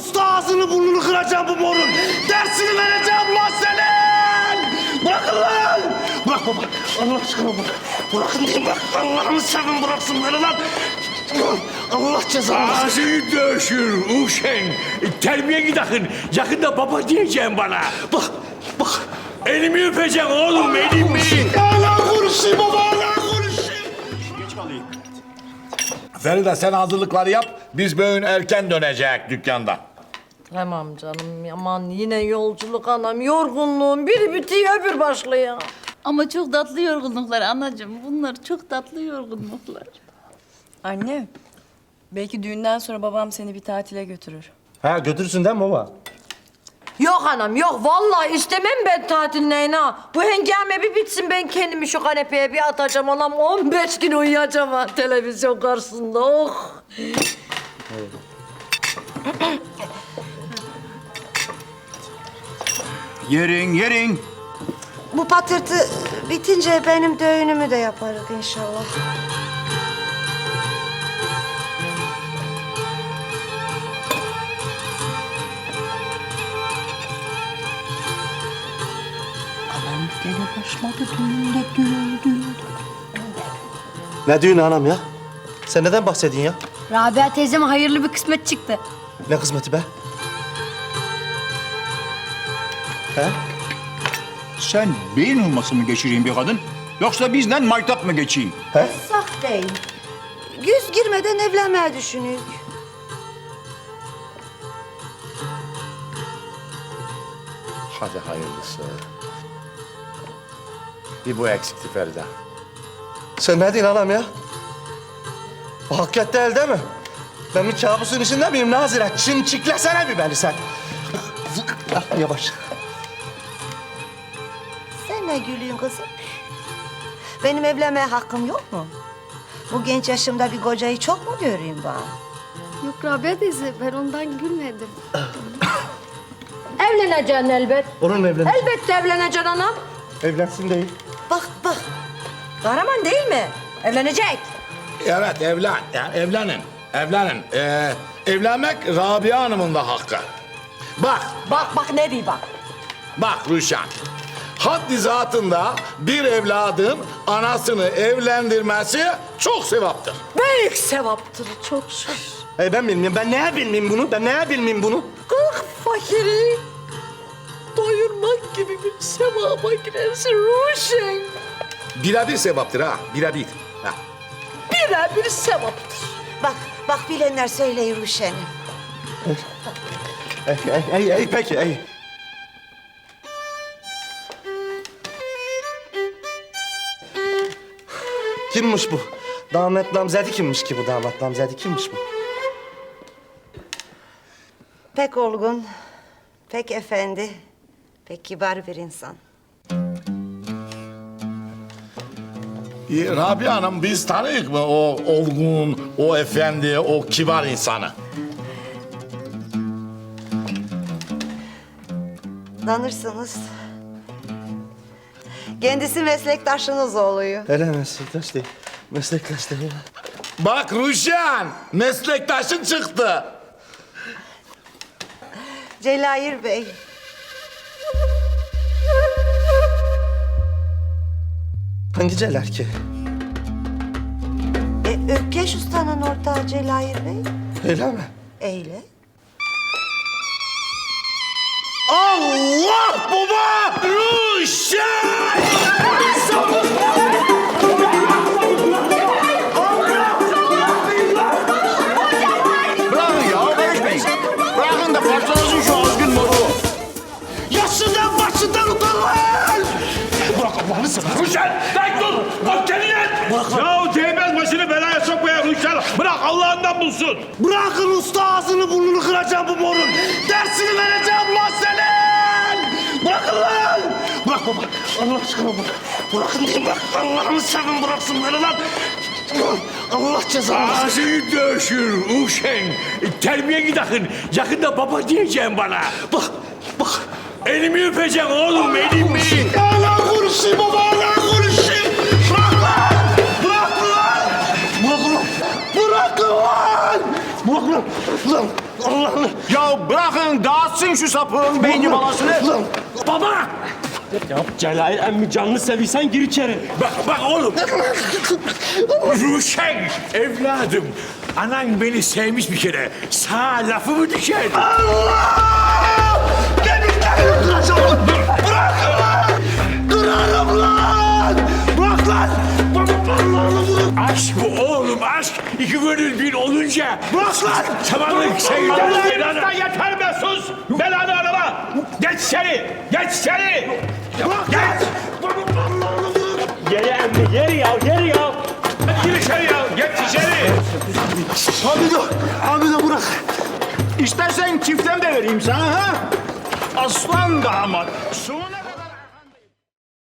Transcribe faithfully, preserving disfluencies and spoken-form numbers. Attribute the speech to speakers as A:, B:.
A: usta ağzını burnunu kıracağım bu morun. Dersini vereceğim lan senin. Bırakın lan. Bırak baba. Allah aşkına bırak. Bırakın diyeyim bak. Allah'ını sevin bıraksın beni lan. Allah cezanı versin.
B: Ağzını döşür uşen. Terbiye gidakın. Yakında baba diyeceğim bana.
A: Bak, bak.
B: Elimi öpeceksin oğlum, elimi.
A: Hala konuşayım baba, hala konuşayım.
C: Feride sen hazırlıkları yap. Biz bugün erken dönecek dükkanda.
D: Tamam canım, aman yine yolculuk anam, yorgunluğum biri bitiyor öbür başlıyor.
E: Ama çok tatlı yorgunluklar anacığım. Bunlar çok tatlı yorgunluklar.
F: Anne, belki düğünden sonra babam seni bir tatile götürür.
A: Ha götürsün değil mi baba?
D: Yok anam yok, vallahi istemem ben tatil neyine ha. Bu hengame bir bitsin, ben kendimi şu kanepeye bir atacağım anam. on beş gün uyuyacağım ha televizyon karşısında, oh.
G: Yerin, yerin.
H: Bu patırtı bitince benim düğünümü de yaparız inşallah.
F: Anam gene başladı düğünde, düğün, düğün.
A: Ne düğünü anam ya? Sen neden bahsediyorsun ya?
I: Rabia teyzeme hayırlı bir kısmet çıktı.
A: Ne kısmeti be? He?
G: Sen beyin olması mı geçireyim bir kadın? Yoksa bizden maytap mı geçeyim?
H: Saf değil. Yüz girmeden evlenmeye düşünüyoruz.
C: Hadi hayırlısı. Bir bu eksikti Feride.
A: Sen ne diyorsun anam ya? O hakikat değil değil mi? Ben bir kabusun içinde miyim Nazire? Çimçiklesene bir beni sen. Ah, yavaş.
H: Sen ne gülüyorsun kızım? Benim evlenmeye hakkım yok mu? Bu genç yaşımda bir kocayı çok mu göreyim ben?
I: Yok Rabia teyze, ben ondan gülmedim.
D: Evleneceksin elbet.
A: Onunla evlen.
D: Elbette evleneceksin anam.
A: Evlensin değil.
H: Bak bak.
D: Kahraman değil mi? Evlenecek.
C: Evet evlen. Yani evlenin. Evlenin. Ee, evlenmek Rabia Hanım'ın da hakkı. Bak,
D: Bak bak ne diyor bak.
C: bak Ruşen. Haddi zatında bir evladın anasını evlendirmesi çok sevaptır.
D: Büyük sevaptır çok şükür.
A: Hey ben bilmiyorum. Ben neye bilmeyeyim bunu? Ben neye bilmeyeyim bunu?
D: Kalk fakiri doyurmak gibi bir sevaba girersin Ruşen.
C: Birebir sevaptır ha, birebir. Ha.
D: Birebir sevaptır.
H: Bak bak bilenler söyleyin Ruşen'im.
A: Ey, ey, ey, ey, peki, ey. Kimmiş bu? Damat namzedi kimmiş ki bu damat namzedi kimmiş bu?
H: Pek olgun, pek efendi, pek kibar bir insan.
C: Ee, Rabia Hanım biz tanıyık mı o olgun, o efendi, o kibar insanı?
H: Tanırsınız. Kendisi meslektaşınız oluyor.
A: Öyle meslektaş değil. Meslektaş değil.
C: Bak Ruşen, meslektaşın çıktı.
H: Celayir Bey.
A: Hangi celer ki?
H: E, Ökkeş Usta'nın ortağı Celayir Bey.
A: Öyle mi?
H: Eyle.
C: Allah baba! Ruşen!
G: Bırakın ya, karışmayın. Bırakın da parçalasın şu azgın moru.
A: Yaşından başından utan lan! Bırak Allah'ını seversen.
B: Ruşen, lan dur! Bak kendine! Ya değmez başını belaya sokmaya Ruşen! Bırak Allah'ından bulsun!
A: Bırakın usta ağzını burnunu kıracağım bu morun. Dersini vereceğim lan senin. Bırakın lan. Bırak baba. Allah aşkına bırak. Bırakın diyeyim bak. Allah'ını sevin bıraksın beni lan. Allah cezanı versin.
B: Ağzını döşür uşen. Terbiye gidakın. Yakında baba diyeceğim bana.
A: Bak, bak.
B: Elimi öpeceksin oğlum, elimi.
A: Hala konuşayım baba, hala konuşayım. Bırak lan. Bırak lan. Bırak lan. Bırak lan. Bırak lan. Lan. Allah'ını.
G: Ya bırakın dağıtsın şu sapığın beyni balasını.
A: Baba! Ya Celal emmi canını seviysen gir içeri.
B: Bak bak oğlum. Ruşen evladım. Anan beni sevmiş bir kere. Sağ lafı mı düşer?
A: Allah! Demirleri kıracağım. Bırakın lan! Kırarım lan! Bırak lan! Baba Allah'ını vurun.
B: Aşk bu oğlum aşk. İki gönül bir olunca.
A: Bırak lan!
B: Samanlık sevgiler. Yeter be sus. Belanı arama. Geç içeri. Geç içeri.
A: Bırak lan! Baba Allah'ını vurun.
J: Geri emmi, geri ya, geri ya.
B: Hadi gir içeri ya. Geç içeri.
A: Hamido, Hamido bırak.
G: İstersen çiften de vereyim sana ha. Aslan damat. Suna